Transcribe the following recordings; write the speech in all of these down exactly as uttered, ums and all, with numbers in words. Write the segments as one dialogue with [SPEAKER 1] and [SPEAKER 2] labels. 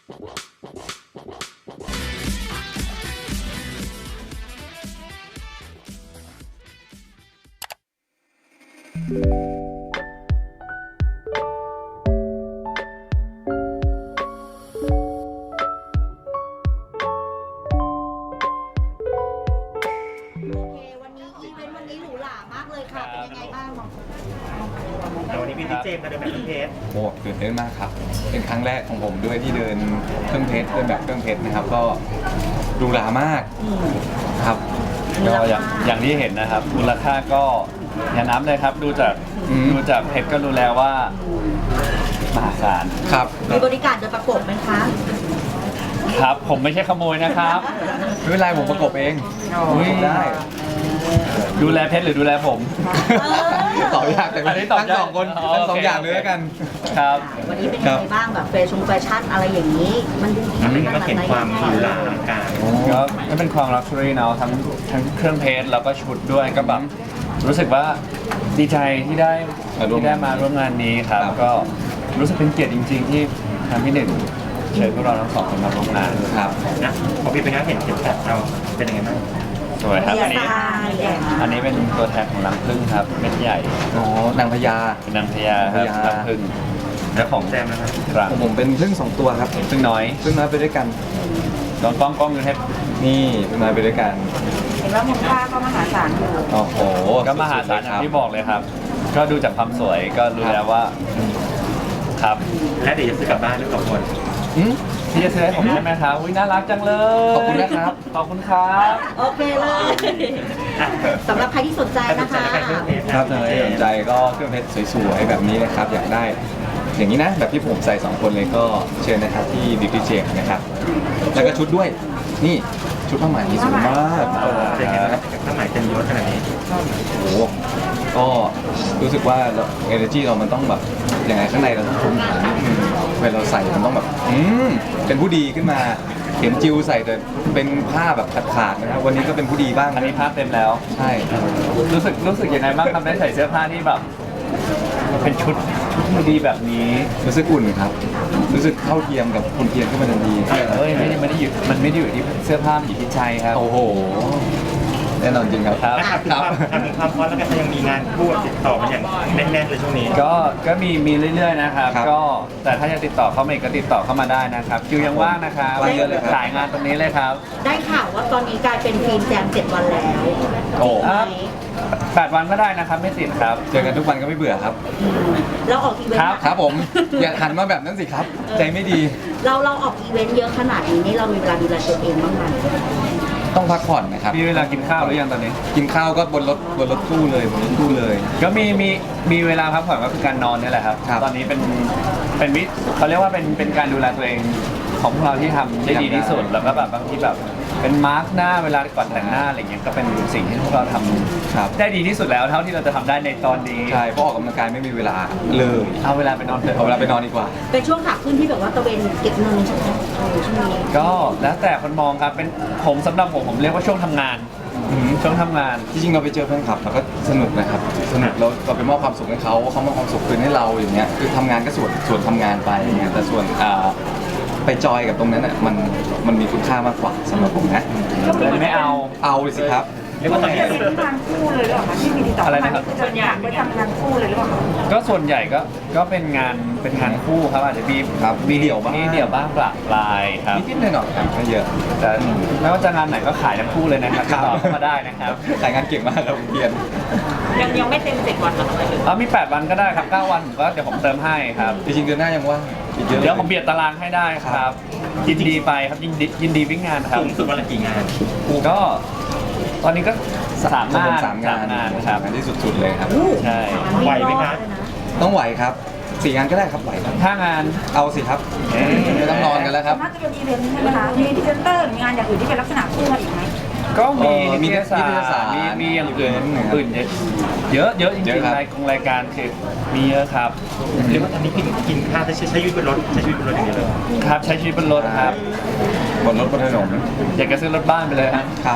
[SPEAKER 1] วันนี้พี่เจมส์มาเดินแบบเครื่องเพชร
[SPEAKER 2] โอ้ตื่นเต้นมากครับเป็นครั้งแรกของผมด้วยที่เดินเครื่องเพชรเดินแบบเครื่องเพชรนะครับก็ดูหรามากครับ
[SPEAKER 3] ก็อย่างอย่างที่เห็นนะครับมูลค่าก็อย่าน้ำเลยครับดูจากดูจากเพชรก็รู้แล้วว่ามหาศาล
[SPEAKER 2] ครับ
[SPEAKER 4] มีบริการโดยประกบไหมคะ
[SPEAKER 3] ครับผมไม่ใช่ขโมยนะครับ
[SPEAKER 2] ไม่เป็นไรผมประกบเองได้
[SPEAKER 3] ดูแลเพชรหรือดูแลผม
[SPEAKER 2] ตอบยากแต่ทั้งสองคนทั้งสองอย่างเลยแล้วกัน
[SPEAKER 3] ครับ
[SPEAKER 4] วันนี้เป็นยังไงบ้างแบบแฟชั่นแฟชั่นอะไรอย่างนี้มันดู
[SPEAKER 1] ดีมันเห็นความหรูหราอลังการ
[SPEAKER 3] ก็ก็เป็นความลักชัวรี่เนาะทั้งทั้งเครื่องเพชรแล้วก็ชุดด้วยก็แบบรู้สึกว่าดีใจที่ได้ที่ได้มาร่วมงานนี้ครับก็รู้สึกเป็นเกียรติจริงๆที่ทางพี่หนึ่งเชิญพวกเราทั้งสองคนมาร่วมงาน
[SPEAKER 2] ครับ
[SPEAKER 1] นะพอพี่เป็นนักเห็นเข็มขัดเราเป็นยังไงบ้าง
[SPEAKER 3] สวยครับอันนี้อันนี้เป็นตัวแทนของรังผึ้งครับเม็ดใหญ่
[SPEAKER 2] อ๋อนางพญา
[SPEAKER 3] เป็นนางพญาครับรังผึ้ง
[SPEAKER 1] แล้วของแจมนะครับ
[SPEAKER 2] ของผมเป็นผึ้งสองตัวครับ
[SPEAKER 3] ผึ้งน้อย
[SPEAKER 2] ผึ้งน้อยไปด้วยกัน
[SPEAKER 3] ลองกล้องกล้องดูให้
[SPEAKER 2] นี่ผึ้งน้อยไปด้วยกัน
[SPEAKER 4] เห็นว่ามูลค่าก็มหาศาลอยู่
[SPEAKER 2] โอ้โห
[SPEAKER 3] ก็มหาศาลอย่างที่บอกเลยครับก็ดูจากความสวยก็รู้แล้วว่าครับ
[SPEAKER 1] และเดี๋ยวจะซื้อกลับบ้านหรือกับคน
[SPEAKER 3] พี่จะซื้อให้ผมใช่ไหมครับอุ้ยน่ารักจังเลย
[SPEAKER 2] ขอบคุณนะครับ
[SPEAKER 3] ขอบคุณครับ
[SPEAKER 4] โอเคเลยสำหรับใครที่สนใจนะคะ
[SPEAKER 2] ครับถ้าใครสนใจก็เครื่องเพชรสวยๆแบบนี้นะครับอยากได้อย่างนี้นะแบบที่ผมใส่สองคนเลยก็เชิญนะครับที่บิวตี้เจมนะครับแล้วก็ชุดด้วยนี่ชุดผ้าไหมสวยมาก
[SPEAKER 1] เป็นไงครับผ้าไหมเต็มยศขนาดนี้
[SPEAKER 2] โอ้โหก็รู้สึกว่าเอเนอร์จีเรามันต้องแบบยังไงข้างในเราต้องทุ่มฐานเวลาเราใส่มันต้องแบบอืมเป็นผู้ดีขึ้นมาเห็นจิวใส่แต่เป็นผ้าแบบขาดๆนะครับวันนี้ก็เป็นผู้ดีบ้าง
[SPEAKER 3] อันนี้ผ้าเต็มแล้ว
[SPEAKER 2] ใช่
[SPEAKER 3] รู้สึกรู้สึกยังไงบ้างครับได้ใส่เสื้อผ้าที่แบบเป็นชุดชุดดีแบบนี้
[SPEAKER 2] รู้สึกอุ่นครับรู้สึกเข้าเทียมกับคุณเทียมขึ้นมาทันที
[SPEAKER 3] เฮ้ยไม่ได้ไม่ได้อยู่มันไม่ได้อยู่ที่เสื้อผ้ามันอยู่ที่ใจครับ
[SPEAKER 2] โอ้โหแน่นอนจริงครับ
[SPEAKER 1] ครับครับทำความพร้อมแล้วก็ยังมีงานคู่ติดต่อมาอย่างแน่นๆเลยช่วงนี้
[SPEAKER 3] ก็ก็มีมีเรื่อยๆนะครับก็แต่ถ้าจะติดต่อเข้ามาก็ติดต่อเข้ามาได้นะครับคิวยังว่างนะครับขายงานตรงนี้เลยครับ
[SPEAKER 4] ได้ข่าวว่าตอนนี้กลายเป็นฟิล์มแจมเจ็ดวันแล้ว
[SPEAKER 2] โอ้
[SPEAKER 3] แปดวันก็ได้นะครับไม่ติดครับ
[SPEAKER 2] เจอกันทุกวันก็ไม่เบื่อครับ
[SPEAKER 4] เราออกอีเวนต์
[SPEAKER 2] ครับผมอย่าหันมาแบบนั้นสิครับใจไม่ดี
[SPEAKER 4] เราเราออกอีเวนต์เยอะขนาดนี้นี่เรามีเวลาดูแลตัวเองบ้างไหม
[SPEAKER 2] ต้องพักผ่อนนะครับ
[SPEAKER 3] มีเวลากินข้าวหรือยังตอนนี้
[SPEAKER 2] กินข้าวก็บนรถบนรถตู้เลยบนรถตู้เลย
[SPEAKER 3] ก็มีมีมีเวลาพักผ่อนก็คือการนอนนี่แหละครับตอนนี้เป็นเป็นวิเขาเรียกว่าเป็นเป็นการดูแลตัวเองของพวกเราที่ทำได้ดีที่สุดแล้วก็แบบบางทีแบบเป็นมาร์กหน้าเวลาก่อนแต่งหน้าอะไรเงี้ยก็เป็นสิ่งที่พวกเราทำได้ดีที่สุดแล้วเท่าที่เราจะทำได้ในตอนนี้
[SPEAKER 2] ใช่เพราะออกกำลังกายไม่มีเวลาเลย
[SPEAKER 3] เอาเวลาไปนอนเถอะ
[SPEAKER 2] เอาเวลาไปนอนดีกว่า
[SPEAKER 4] เป็นช่วงขาขึ้นที่แบบว่าตะเวนเก็บเงินใช่ไหมช่วงนี้
[SPEAKER 3] ก็แล้วแต่คนมองครับเป็นผมสำหรับผมผมเรียกว่าช่วงทำงานช่วงทำงาน
[SPEAKER 2] จริงๆเราไปเจอเพื่อนคลับเราก็สนุกนะครับสนุกเราเราไปมอบความสุขให้เขาเขามอบความสุขคืนให้เราอย่างเงี้ยคือทำงานก็ส่วนส่วนทำงานไปอย่างเงี้ยแต่ส่วนอ่าไปจอยกับตรงนั้นอ่ะมันมันมีคุณค่ามากกว่าสำหรับผมนะ
[SPEAKER 3] ไม่เอา
[SPEAKER 2] เอาสิครับ
[SPEAKER 4] เรียกว่าตอนนี้เป็นทางคู่เลยหรือเปล่าคะที่มีติดต่ออะไรนะครับส่วนใหญ่ไปทำงานคู่เลยหรือเปล่า
[SPEAKER 3] ก็ส่วนใหญ่ก็ก็เป็นงานเป็นงานคู่ครับอาจจะมี
[SPEAKER 2] ครับมีเดี่ยวบ้าง
[SPEAKER 3] มีเดี่ยวบ้างปลาปลายครับ
[SPEAKER 2] นิดๆหน่อยๆครับไม่เยอะ
[SPEAKER 3] แต่ไม่ว่าจะงานไหนก็ขายทั้งคู่เลยนะครับติดต่อเข้ามาได้นะครับ
[SPEAKER 2] ขายงานเก่งมากครับเพียน
[SPEAKER 4] ยังยังไม่เต็มเจ็ดวันหรอ
[SPEAKER 3] อ๋อมีแปดวันก็ได้ครับเก้าวันผมก็เดี๋ยวผมเติมให้ครับ
[SPEAKER 2] จริงๆเดือนหน้ายังว่าง
[SPEAKER 3] เดี๋ยวผมเบียดตารางให้ได้ครับยินดีไปครับยินดียินดีวิ่งงานครับ
[SPEAKER 1] สูงสุดวันละกี่งาน
[SPEAKER 3] ก็ตอนนี้ก็สามงาน
[SPEAKER 2] สามงาน
[SPEAKER 3] ครับ
[SPEAKER 2] งานที่สุดๆเลยครับ
[SPEAKER 3] ใช่
[SPEAKER 1] ไหวไหมครับ
[SPEAKER 2] ต้องไหวครับสี่งานก็ได้ครับไหวครับ
[SPEAKER 3] ห้างาน
[SPEAKER 2] เอาสิครับไม่ต้องนอนกันแล้วครับ
[SPEAKER 4] น่าจะเป็นอีเวนต์ใช่ไหมคะมีพรีเซนเตอร์หรืองานอย่างอื่นที่เป็นลักษณะคู่มาอีกไหม
[SPEAKER 3] ก็มีมีนิตยสารมีมีอย่างอื่นอื่นเยอะเยอะจริงๆรายของรายการคือมีเยอะครับ
[SPEAKER 1] เรียกว่าตอนนี้กินกินข้าวใช้ใช้ชีวิตบนรถใช้ชีวิตบนรถอย่างเดียวเลย
[SPEAKER 3] ครับใช้ชีวิตบนรถครับ
[SPEAKER 2] บนรถบนถนน
[SPEAKER 3] อยากจะซื้อรถบ้านไปเลยครับ
[SPEAKER 2] ครับ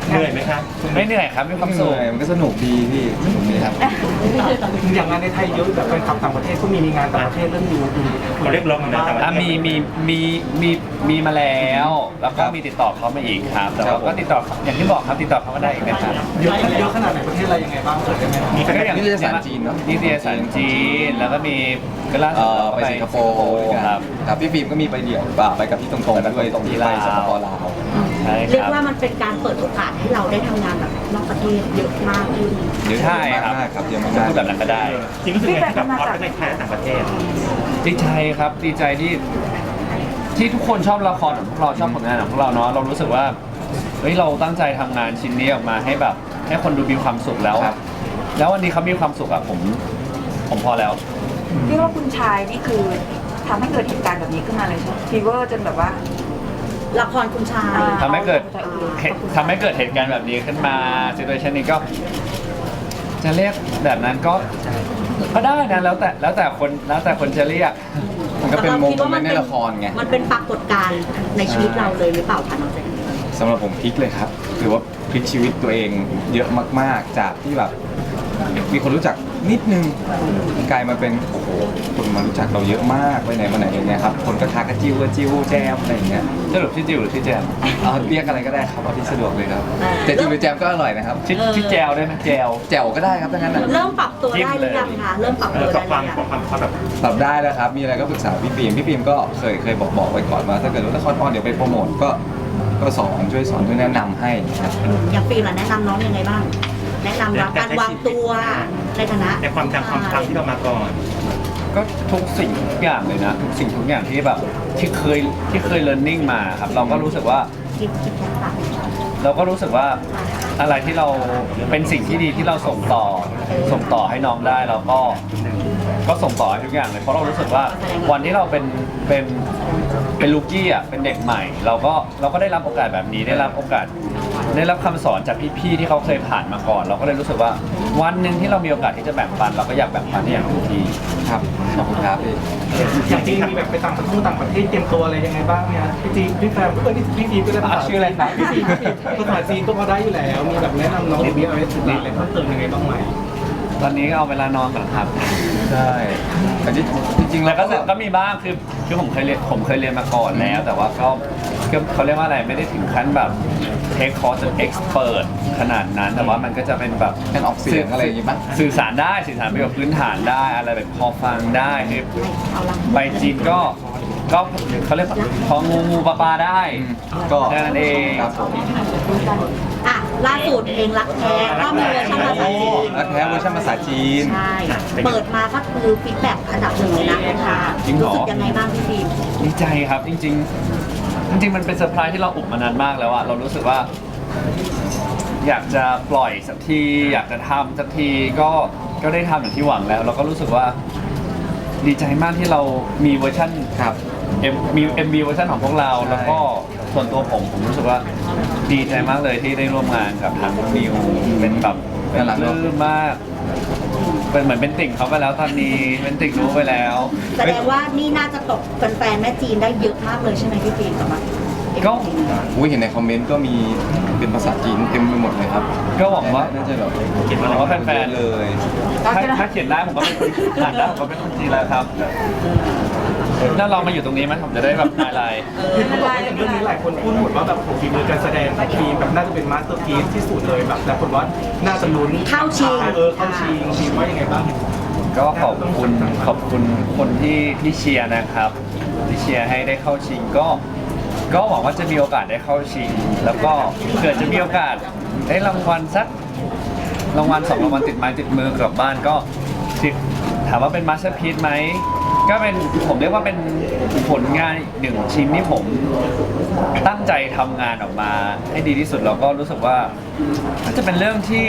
[SPEAKER 1] เหนื่อยไหมครับ
[SPEAKER 3] ไม่เหนื่อยครับมีความ
[SPEAKER 2] เห
[SPEAKER 3] สุข
[SPEAKER 2] นื่อยมันก็สนุกดีพี่สนุกดีครับ
[SPEAKER 5] อย่างงานในไทยเยอะแบบแฟนคลับต่างประเทศก็มีมีงานต่างประเทศเรื่องดูดู
[SPEAKER 1] เขาเรียกร้องเหมือนกันต่างประ
[SPEAKER 3] อ่ะ
[SPEAKER 1] เทศ
[SPEAKER 3] มีมีมีมีมีมาแล้ว แล้วก็มีติดต่อเขามาอีกครับ แต่ว่าก็ติดต่ออย่างที่บอกครับติดต่อเขามาได้อีกนะครับ
[SPEAKER 5] เยอะเยอะขนาดไหนประเทศอะไรยังไงบ้างเกิดได้ไหม
[SPEAKER 1] มีแฟน
[SPEAKER 3] ก็อย่าง
[SPEAKER 2] นิตยสารจีนเนอะ
[SPEAKER 3] นิตยสารจีนแล้วก็มีก็ล่า
[SPEAKER 2] เอ่
[SPEAKER 3] สุด
[SPEAKER 2] อ
[SPEAKER 3] เราก็
[SPEAKER 2] ไปสิงคโปร์ด้วยกัน
[SPEAKER 3] ครับ
[SPEAKER 2] ครับพี่ฟิล์มก็มีไปเดี่ยวป่ะไปกับพี่ตรงๆด้วยตรงที่ไปสปปลาว
[SPEAKER 3] ใช่
[SPEAKER 6] เรีย
[SPEAKER 3] ค
[SPEAKER 6] ก
[SPEAKER 3] รับ
[SPEAKER 6] ว่ามันเป็นการเปิดโอกาสให้เราได้ทำงานแบบนอกประเทศเยอะมากขึ้น
[SPEAKER 2] เยอะ
[SPEAKER 3] ใช่ครับ
[SPEAKER 2] มากๆครับเยอะ
[SPEAKER 3] จะ
[SPEAKER 2] มาก
[SPEAKER 3] พูดแบบนั้นก็ได้
[SPEAKER 1] จริงรู้สึกไงที่แบบฮอตทั้งในไทยและต่างประเทศ
[SPEAKER 3] ดีใจครับดีใจที่ที่ทุกคนชอบละครของพวกเราชอบผลงานของพวกเราเนาะเรารู้สึกว่าเฮ้ยเราตั้งใจทำงานชิ้นนี้ออกมาให้แบบให้คนดูมีความสุขแล้ว
[SPEAKER 2] ครับ
[SPEAKER 3] แล้ววันนี้เขามีความสุขอะผมผมพอแล้ว
[SPEAKER 4] ที่ว่าคุณชายนี่คือทำให้เกิดเหตุการณ์แบบนี้ขึ้นมาเลยใช่ไหมฟีเวอร์จนแบบว่า
[SPEAKER 6] ละครคุณชาย
[SPEAKER 4] อ่า
[SPEAKER 3] ทำให้เกิดเหตุทำให้เกิดเหตุการณ์แบบนี้ขึ้นมาซิทูเอชันนี้ก็ จะเรียกแบบนั้นก็ก็ได้นะแล้วแต่แล้วแต่คนแล้วแต่คนจะเรียก
[SPEAKER 2] ๆมันก็เป็นโมเมนต์ในละครไง
[SPEAKER 6] มันเป็นปรากฏการณ์ในชีวิตเราเลยหรือเปล่าคะน้องเจน
[SPEAKER 2] สำหรับผมพลิกเลยครับถือว่าพลิกชีวิตตัวเองเยอะมากๆ จากที่แบบมีคนรู้จักนิดนึงกลายมาเป็นโอ้โหคนมารู้จักเราเยอะมากไปไหนมาไหนอย่างเงี้ยครับคนก็ทักกันจิวกันจิวแจมอะไรอย่างเงี้ย
[SPEAKER 3] สรุปที่จิวหรือที่แจม
[SPEAKER 2] เอาเรียกอะไรก็ได้ครับเอาที่สะดวกเลยครับแต่จิวหรือแจมก็อร่อยนะครับ
[SPEAKER 3] ที่ที่แจวได้ไหมแจว
[SPEAKER 2] แจ่วก็ได้ครับทั้งนั้นนะ
[SPEAKER 6] เริ่มปรับตัวได้หรือยังคะเริ่มปรับ
[SPEAKER 1] เอ
[SPEAKER 6] ตัว
[SPEAKER 1] อ
[SPEAKER 6] ได้
[SPEAKER 1] กับ
[SPEAKER 6] ห
[SPEAKER 1] ความ
[SPEAKER 6] รือยัง
[SPEAKER 1] ความความแบบ
[SPEAKER 2] ปรับได้แล้วครับมีอะไรก็ปรึกษาพี่ฟิล์มพี่ฟิล์มก็เคยเคยบอกบอกไว้ก่อนว่าถ้าเกิดว่าละครออนเดี๋ยวไปโปรโมทก็ก็สอนช่วยสอนช่วยแนะนำให้ครับ
[SPEAKER 6] อย่างฟิล์มล่ะแนะนำน้องยังไงบ้าง แนะนำว่าการวางตัวในฐานะ
[SPEAKER 1] ในความจำความจำที่เรามาก่อน
[SPEAKER 3] ก็ทุกสิ่งทุกอย่างเลยนะ ทุกสิ่งทุกอย่างที่แบบที่เคยที่เคยเรียนรู้มาครับเราก็รู้สึกว่า
[SPEAKER 6] คิดคิดแค่ต่าง
[SPEAKER 3] เราก็รู้สึกว่าอะไรที่เราเป็นสิ่งที่ดีที่เราส่งต่อส่งต่อให้น้องได้เราก็ก็ส่งต่อให้ทุกอย่างเลยเพราะเรารู้สึกว่าวันที่เราเป็นเป็นเป็นลูกี้อ่ะเป็นเด็กใหม่ เราก็เราก็ได้รับโอกาสแบบนี้ได้รับโอกาส ได้รับคำสอนจากพี่ๆที่เขาเคยผ่านมาก่อน เราก็เลยรู้สึกว่าวันหนึ่งที่เรามีโอกาสที่จะแบ่งปัน เราก็อยากแบ่งปันให้อย่างทุกที
[SPEAKER 2] ครับขอบคุณครับพี่
[SPEAKER 5] อย่างจริงมีแบบไปต่างประเทศต่างประเทศเตรียมตัวอะไรยังไงบ้างเนี่ยพี่จีพี่แฟมเออนี่พี่จีก็ได้ภาษา
[SPEAKER 3] อ่ะชื่ออะไรครับ
[SPEAKER 5] พี่จีพี่จีภาษาจีนก็พอได้อยู่แล้วมีแบบแนะนำน้องหรือมีอะไรสื่อสารอะไรเพิ่มเติมยังไงบ้างไหม
[SPEAKER 3] ตอนนี้ก็เอาเวลานอนก่อนครับ
[SPEAKER 2] ใช่แต่จริงๆ
[SPEAKER 3] แล้
[SPEAKER 2] แล้ว ว
[SPEAKER 3] ก็
[SPEAKER 2] ก็
[SPEAKER 3] ก็มีบ้างคือคือผมเคยเรียนผมเคยเรียนมาก่อนแล้ว แต่ว่าก็ก็เขาเรียกว่าอะไรไม่ได้ถึงขั้นแบบเทคคอร์สจนเอ็กซ์เพิร์ขนาดนั้น แต่ว่ามันก็จะเป็นแบบ
[SPEAKER 2] การออกเสียงอะไรอย่างงี้บ้าง
[SPEAKER 3] สื่อสารได้สื่อสารไปกับพื้นฐานได้อะไรแบบพอฟังได้คือไปจีนก็ก็เขาเรียกว่าพองูงูปลาปลาได้
[SPEAKER 2] ก็
[SPEAKER 3] แค่นั้นเอง
[SPEAKER 2] ครับผม
[SPEAKER 6] อ่ะล่าสุดเพลงรักแท้ก็มีเวอร์ชันภาษาจีน
[SPEAKER 2] แล้วแท้เวอร์ชันภาษาจีน
[SPEAKER 6] ใช่ เปิดมาก็คือฟีดแบ็กอันดับหนึ่งเลยนะคุณค่ะรู้สึกยังไงบ้างพี่ฟิล์ม
[SPEAKER 3] ดีใจครับจริง ๆ จริง ๆ มันเป็นเซอร์ไพรส์ที่เราอุบมานานมากแล้วอะเรารู้สึกว่า อยากจะปล่อยสักทีอยากจะทำสักทีก็ก็ได้ทำอย่างที่หวังแล้ว เราก็รู้สึกว่า ดีใจมากที่เรามีเวอร์ชัน
[SPEAKER 2] ครับ
[SPEAKER 3] เอ็มมีเอ็มบีเวอร์ชันของพวกเรา
[SPEAKER 2] ใช่
[SPEAKER 3] แล้วก็ส่วนตัวผมผมรู้สึกว่าดีใจมากเลยที่ได้ร่วมงานกับทางนิวเป็นแบบเป็นปลื้มมาก เป็นเหมือนเป็นติ่งเขาไปแล้วตอนนี้เป็นติ่งรู้ไปแล้ว
[SPEAKER 6] แสดงว่านี่น่าจะตกแฟนๆแม่จีนได้เยอะมากเลยใช่ไหมพี่ฟิล์มสำหรับ
[SPEAKER 3] ก็
[SPEAKER 2] อุ้ยเห็นในคอมเมนต์ก็มีเป็นภาษาจีนเต็มไปหมดเลยครับ
[SPEAKER 3] ก็หวังว่า
[SPEAKER 2] น่าจะแบบ
[SPEAKER 1] เขียน
[SPEAKER 3] ห
[SPEAKER 1] ว่า
[SPEAKER 3] วังว่าแฟน
[SPEAKER 2] เลย
[SPEAKER 3] ๆถ้าถ้าเขียนได้ผมก็เป็นคนอ่านได้ผมก็เป็นคนจีนแล้วครับถ้าเรามาอยู่ตรงนี้ไหมผมจะได้แบบไฮไลท์
[SPEAKER 5] เห็นเขาบอกว่าอย่างเรื่องนี้หลายคนพูดหมดว่าแบบโอ้โหฝีมือการแสดงของทีมแบบน่าจะเป็นมาสเตอร์พีซที่สุดเลยแบบแต่คนว่าน่าจะลุ้น
[SPEAKER 6] เข้าชิง
[SPEAKER 5] เออเข้าชิงทีมว่ายังไงบ้าง
[SPEAKER 3] ก็ขอบคุณขอบคุณคนที่ที่เชียร์นะครับ ที่เชียร์ให้ได้เข้าชิงก็ก็หวังว่าจะมีโอกาสได้เข้าชิง แล้วก็เผื่อจะมีโอกาสได้รางวัลสักรางวัลสองรางวัลติดไม้ติดมือกลับบ้านก็ติดถามว่าเป็นมาสเตอร์พีซไหมก็เป็นผมเรียกว่าเป็นผลงานอีกหนึ่งชิ้นที่ผมตั้งใจทำงานออกมาให้ดีที่สุดแล้วก็รู้สึกว่าน่าจะเป็นเรื่องที่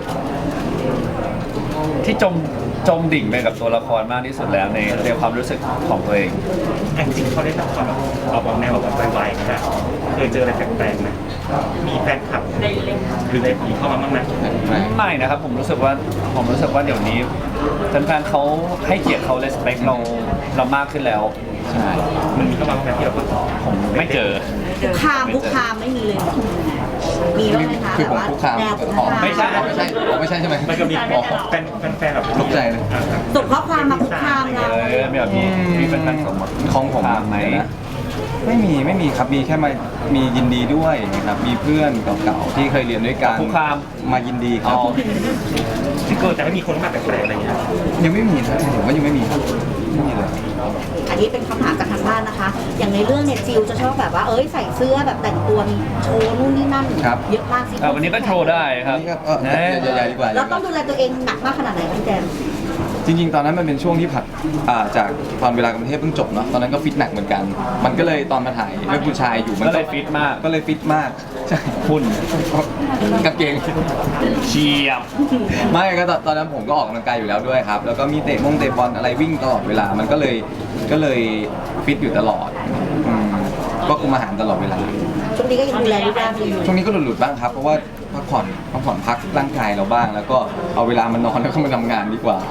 [SPEAKER 3] ที่จมจมดิ่งไปกับตัวละครมากที่สุดแล้วในในความรู้สึกของตัวเอง
[SPEAKER 1] จริงๆเขาได้ทำความแบบเอาบอกแนวแบบไวๆนะเคยเจออะไรแปลกๆไหมมีแฟนคลับหรืออะไรผีเข้ามาบ้างไหม
[SPEAKER 3] ไม่นะครับผมรู้สึกว่าผมรู้สึกว่าเดี๋ยวนี้แฟนๆเขาให้เกียรติเขา respect เราเรามากขึ้นแล้ว
[SPEAKER 2] ใช่
[SPEAKER 1] มันมีเข้ามาบ้างไหมที่เราก็
[SPEAKER 3] ผมไม่เจอ
[SPEAKER 6] คุกคามคุกคามไม่มีเลยมีบ้างไหมคะ
[SPEAKER 2] คือ
[SPEAKER 6] แบบ
[SPEAKER 2] ผม
[SPEAKER 6] ว่า
[SPEAKER 2] คุกคาม
[SPEAKER 6] แนวคุก
[SPEAKER 2] อ๋อ
[SPEAKER 6] คาม
[SPEAKER 2] ไม่ใช่อ๋อไม่ใช่อ๋อไม่ใช่ใช่ไหม
[SPEAKER 1] มันก็มี
[SPEAKER 2] อ๋อ
[SPEAKER 1] แฟนแฟนๆแบบ
[SPEAKER 2] ตกใจเลย
[SPEAKER 6] ส่งข้อความมาคุกคามเรา
[SPEAKER 3] เออมีแบบมีมีเป็นแฟนสมมติ
[SPEAKER 2] ของผม
[SPEAKER 3] ถามไหม
[SPEAKER 2] เดี๋ยวนะไม่มีไม่มีครับมีแค่มามียินดีด้วยนะครับมีเพื่อนเก่าๆที่เคยเรียนด้วยกัน
[SPEAKER 3] คุกคาม
[SPEAKER 2] มายินดีครับ
[SPEAKER 3] อ๋อ
[SPEAKER 1] ที่เกิดจะให้มีคนมาแปลกๆอะไรอย่างเงี้ย
[SPEAKER 2] ยังไม่มีนะผมว่ายังไม่มีครับไม่มีเลย
[SPEAKER 6] อันนี้เป็นคำถามจากทางบ้านนะคะ อย่างในเรื่องเนี่ยจิวจะชอบแบบว่าเอ้ยใส่เสื้อแบบแต่งตัวมีโชว์นู่นนี่นั่น
[SPEAKER 2] ครับ
[SPEAKER 6] เยอะมากสิ
[SPEAKER 3] อ่ะวันนี้ก็โชว์ได้ครับ
[SPEAKER 2] อันนี้ก็เออ
[SPEAKER 3] นะ
[SPEAKER 2] ใหญ่ๆดีกว่า
[SPEAKER 6] เราต้องดูแลตัวเองหนักมากขนาดไหนคะพี่แจม
[SPEAKER 2] จริงๆ ตอนนั้นมันเป็นช่วงที่ผัดอ่าจากตอนเวลากรุงเทพเพิ่งจบเนาะตอนนั้นก็ฟิตหนักเหมือนกัน มันก็เลยตอนมาถ่ายเรื่องผู้ชายอยู่มัน
[SPEAKER 3] ก็เลยฟิตมาก
[SPEAKER 2] ก็เลยฟิตมากใช่
[SPEAKER 3] หุ่น
[SPEAKER 2] กางเกง
[SPEAKER 3] เชียบ
[SPEAKER 2] ไม่ก็ตอนตอนนั้นผมก็ออกกำลังกายอยู่แล้วด้วยครับ แล้วก็มีเตะมงเตะบอลอะไรวิ่งตลอดเวลา มันก็เลยก็เลยฟิตอยู่ตลอดอืมก็คุมอาหารตลอดเวลา
[SPEAKER 6] ช่วงนี้ก็ยังดูแลรูปร่างดีอยู่
[SPEAKER 2] ช่วงนี้ก็หลุดๆบ้างครับ เพราะว่าพักผ่อนพักผ่อนพักร่างกายเราบ้าง แล้วก็เอาเวลามานอนแล้วก็มาทำงานดีกว่า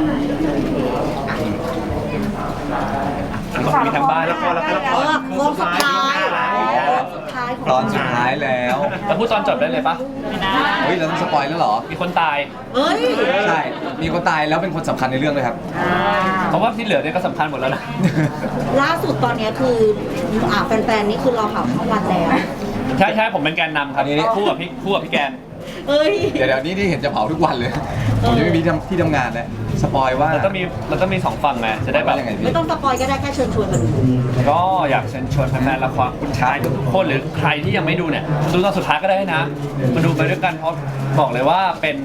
[SPEAKER 3] มีทางบ้าน
[SPEAKER 1] ละครละครละค
[SPEAKER 6] เอ
[SPEAKER 1] ร
[SPEAKER 6] อโค้งสุดท้ายโค้งสุดท้ายของ
[SPEAKER 2] ตอนสุดท้ายแล้ว
[SPEAKER 3] แล้วพูดตอนจบได้เลยปะ
[SPEAKER 2] เฮ้ยเราต้องสปอยแล้วเหรอ
[SPEAKER 3] มีคนตาย
[SPEAKER 6] เอ้ย
[SPEAKER 2] ใช่ มีคนตายแล้วเป็นคนสำคัญในเรื่องเลยครับ
[SPEAKER 3] เพราะว่าที่เหลือเนี่ยก็สำคัญหมดแล้วนะ
[SPEAKER 6] ล่าสุดตอนเนี้ยคืออ่าแฟนๆนี่คือรอข่าวทั้งวันแล้ว
[SPEAKER 3] ใช่ใช่ผมเป็นแกนนำครับ
[SPEAKER 2] อันนี้
[SPEAKER 3] คู่กับพี่คู่กับพี่แกน
[SPEAKER 6] เอ้ย
[SPEAKER 2] เดี๋ยวเดี๋ยวนี้ที่เห็นจะเผาทุกวันเลย ผมจะไม่มีที่ทำที่ทำงานแล้วสปอยว่า
[SPEAKER 3] แล้วก็มีแล้วก็มีสองฝั่งไงจะได้แบบ
[SPEAKER 2] ว่ายังไงพี่
[SPEAKER 6] ไม่ต้องสปอยก็ได้แค่เชิญชวนมาดู
[SPEAKER 3] ก็อยากเชิญชวนแฟนๆละครคุณชายทุกคนหรือใครที่ยังไม่ดูเนี่ยดูตอนสุดท้ายก็ได้นะ มาดูไปด้วยกันเพราะบอกเลยว่าเป็น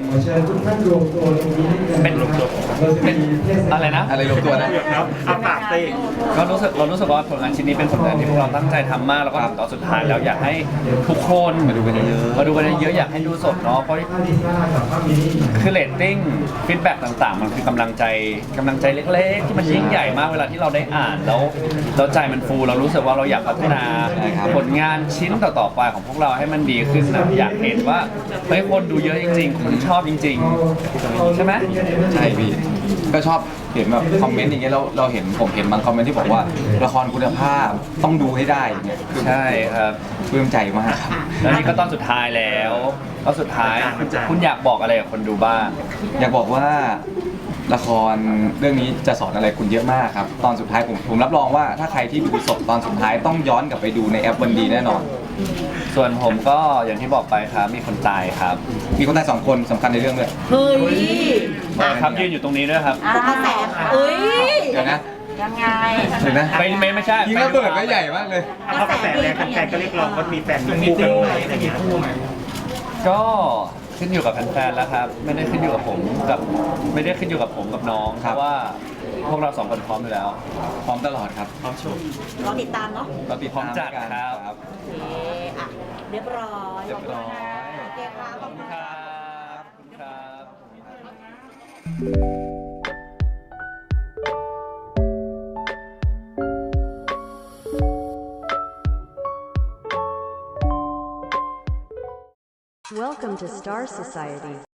[SPEAKER 3] เป็นเป็นอะไรนะ
[SPEAKER 2] อะไรรวมตัวนะ
[SPEAKER 1] ครับเอาปากเต้
[SPEAKER 3] ก็รู้สึกเรารู้สึกว่าผลงานชิ้นนี้เป็นผลงานที่พวกเราตั้งใจทำมากแล้วก็ถึงตอนสุดท้ายแล้วอยากให้ทุกคน
[SPEAKER 2] มาดูกันเยอะๆ
[SPEAKER 3] มาดูกันเยอะๆอยากให้ดูสดเนาะเพราะคือเรตติ้งฟีดแบ็กต่างๆ มันคือกำลังใจกำลังใจเล็กๆ ที่มันยิ่งใหญ่มากเวลาที่เราได้อ่านแล้วแล้วใจมันฟูเรารู้สึกว่าเราอยากพัฒนา
[SPEAKER 2] ใช่ครับ
[SPEAKER 3] ผลงานชิ้นต่อๆไปของพวกเราให้มันดีขึ้นนะอยากเห็นว่าเฮ้ยคนดูเยอะจริงๆคนชอบจริง ๆ ใช่ไหม
[SPEAKER 2] ใช่พี่ ก็ชอบเห็นแบบคอมเมนต์อย่างเงี้ยเราเราเห็นผมเห็นบางคอมเมนต์ที่บอกว่าละครคุณภาพต้องดูให้ได้อย่างเงี้ยคือ
[SPEAKER 3] ใช่ครับ
[SPEAKER 2] ปลื้มใจมากครับ
[SPEAKER 3] แล้วนี่ก็ตอนสุดท้ายแล้วตอนสุดท้ายคุณคุณอยากบอกอะไรกับคนดูบ้าง
[SPEAKER 2] อยากบอกว่าละครเรื่องนี้จะสอนอะไรคุณเยอะมากครับ ตอนสุดท้ายผมผมรับรองว่าถ้าใครที่ดูสดตอนสุดท้ายต้องย้อนกลับไปดูในแอปวันดีแน่นอน
[SPEAKER 3] ส่วนผมก็อย่างที่บอกไปครับมีคนตายครับ
[SPEAKER 2] มีคนตายสองคนสำคัญในเรื่องด้วย
[SPEAKER 6] เฮ้ย
[SPEAKER 3] ครับยืนอยู่ตรงนี้ด้วยครับ
[SPEAKER 6] ตกกระแสเอ้ย
[SPEAKER 2] เดี๋ยวนะ
[SPEAKER 4] ยังไง
[SPEAKER 2] เดี๋ยวนะ
[SPEAKER 3] ไม่ไม่ไม่ใช่
[SPEAKER 2] ยิงระเบิดก็ใหญ่มากเลย
[SPEAKER 1] เอาเข้ากระแสแรงแฟนๆก็เรียกร้องว่ามีแฟนมีคู่กันไหมอะไรอย่างเงี้ย
[SPEAKER 3] ก็ขึ้นอยู่กับแฟนๆแล้วครับ ไม่ได้ขึ้นอยู่กับผมกับไม่ได้ขึ้นอยู่กับผมกับน้อง
[SPEAKER 2] ค
[SPEAKER 3] เพ
[SPEAKER 2] รับ
[SPEAKER 3] ราะว่าพวกเราสองคนพร้อมอยู่แล้ว
[SPEAKER 2] พร้อมตลอดครับ
[SPEAKER 1] พร้อมโชว์
[SPEAKER 6] รอติดตามเนาะ
[SPEAKER 2] เราติด
[SPEAKER 3] พร้อม
[SPEAKER 2] ตาม
[SPEAKER 3] จัด
[SPEAKER 2] กัน
[SPEAKER 3] ครับ
[SPEAKER 6] โอเคอ่ะเรียบร้อย
[SPEAKER 2] เรียบร้อย
[SPEAKER 6] โอเคค่ะขอบคุณ
[SPEAKER 3] ค
[SPEAKER 6] ค่ะ
[SPEAKER 3] รับขอบคุณครับ
[SPEAKER 7] Welcome to Star Society.